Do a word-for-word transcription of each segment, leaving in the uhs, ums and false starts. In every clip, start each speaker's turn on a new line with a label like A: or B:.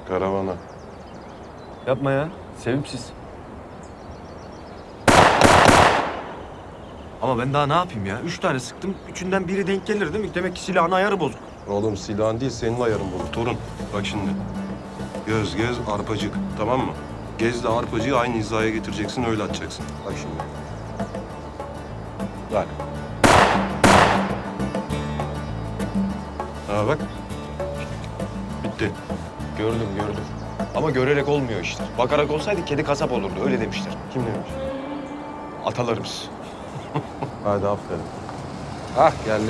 A: Karavana.
B: Yapma ya. Sevimsiz. Ama ben daha ne yapayım ya? Üç tane sıktım. Üçünden biri denk gelir değil mi? Demek ki silahın ayarı bozuk.
A: Oğlum silahın değil, senin ayarın bu. Torun, bak şimdi. Göz, gez, arpacık. Tamam mı? Gezle arpacığı aynı hizaya getireceksin, öyle atacaksın. Bak şimdi. Bak. Ha bak. Bitti.
B: Gördüm, gördüm. Ama görerek olmuyor işte. Bakarak olsaydı kedi kasap olurdu. Öyle demişler.
A: Kim demiş?
B: Atalarımız.
A: Hadi aferin. Ah geldi.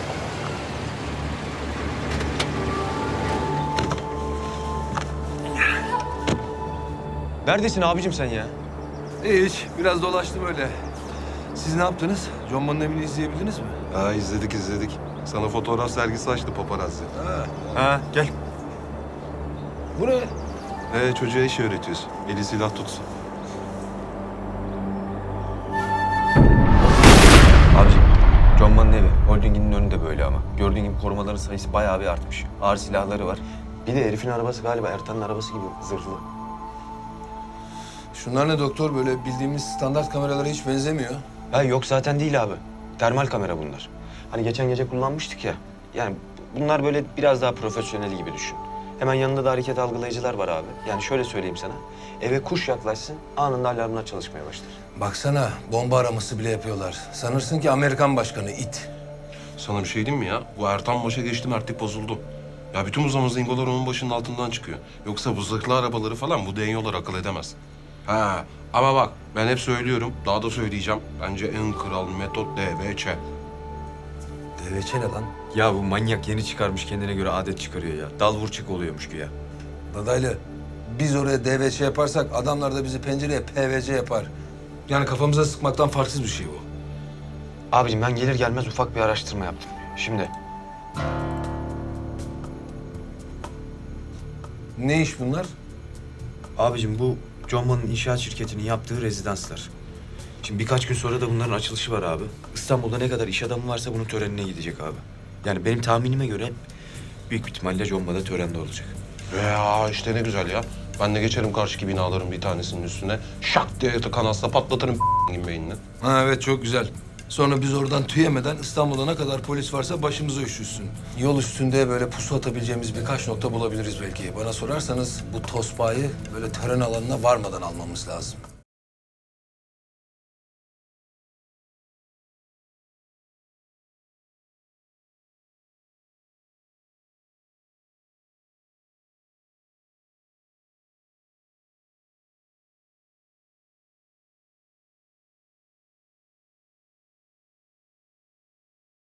B: Neredesin abicim sen ya?
C: Hiç. Biraz dolaştım öyle. Siz ne yaptınız? John Bon'un evini izleyebildiniz mi?
A: Ha izledik izledik. Sana fotoğraf sergisi açtı paparazzi.
C: Ha.
B: Ha, gel.
C: Bu ne?
A: Ee, çocuğa iş öğretiyorsun. Eli silah tutsun.
B: Abicim, John Man'ın evi. Holdinginin önünde böyle ama. Gördüğün gibi korumaların sayısı bayağı bir artmış. Ağır silahları var. Bir de herifin arabası galiba Ertan'ın arabası gibi zırhlı.
C: Şunlar ne doktor? Böyle bildiğimiz standart kameralara hiç benzemiyor.
B: Ha yok zaten değil abi. Termal kamera bunlar. Hani geçen gece kullanmıştık ya. Yani bunlar böyle biraz daha profesyonel gibi düşün. Hemen yanında da hareket algılayıcılar var abi. Yani şöyle söyleyeyim sana. Eve kuş yaklaşsın anında alarmlar çalışmaya başlar.
C: Baksana, bomba araması bile yapıyorlar. Sanırsın ki Amerikan başkanı, it.
A: Sana bir şey diyeyim mi ya? Bu Ertan başa geçti, mertlik bozuldu. Ya bütün bu zamazingolar onun başının altından çıkıyor. Yoksa bu zırhlı arabaları falan bu denyolar akıl edemez. Ha ama bak ben hep söylüyorum, daha da söyleyeceğim. Bence en kral metot D V Ç.
C: Deveçe ne lan?
B: Ya bu manyak yeni çıkarmış kendine göre adet çıkarıyor ya. Dal vur çık oluyormuş ki ya.
C: Dadaylı, biz oraya D V Ç yaparsak adamlar da bizi pencereye P V C yapar. Yani kafamıza sıkmaktan farksız bir şey bu.
B: Abicim ben gelir gelmez ufak bir araştırma yaptım. Şimdi
C: Ne iş bunlar?
B: abicim bu John Man'ın inşaat şirketinin yaptığı rezidanslar. Şimdi birkaç gün sonra da bunların açılışı var abi. İstanbul'da ne kadar iş adamı varsa bunun törenine gidecek abi. Yani benim tahminime göre büyük ihtimalle John Man'da törende olacak.
A: Ya işte ne güzel ya. Ben de geçerim karşıki binaların bir tanesinin üstüne. Şak diye kanasla patlatırım beynini.
C: Ha evet, çok güzel. Sonra biz oradan tüyemeden İstanbul'da ne kadar polis varsa başımıza üşüşsün. Yol üstünde böyle pusu atabileceğimiz birkaç nokta bulabiliriz belki. Bana sorarsanız bu tospayı böyle tören alanına varmadan almamız lazım.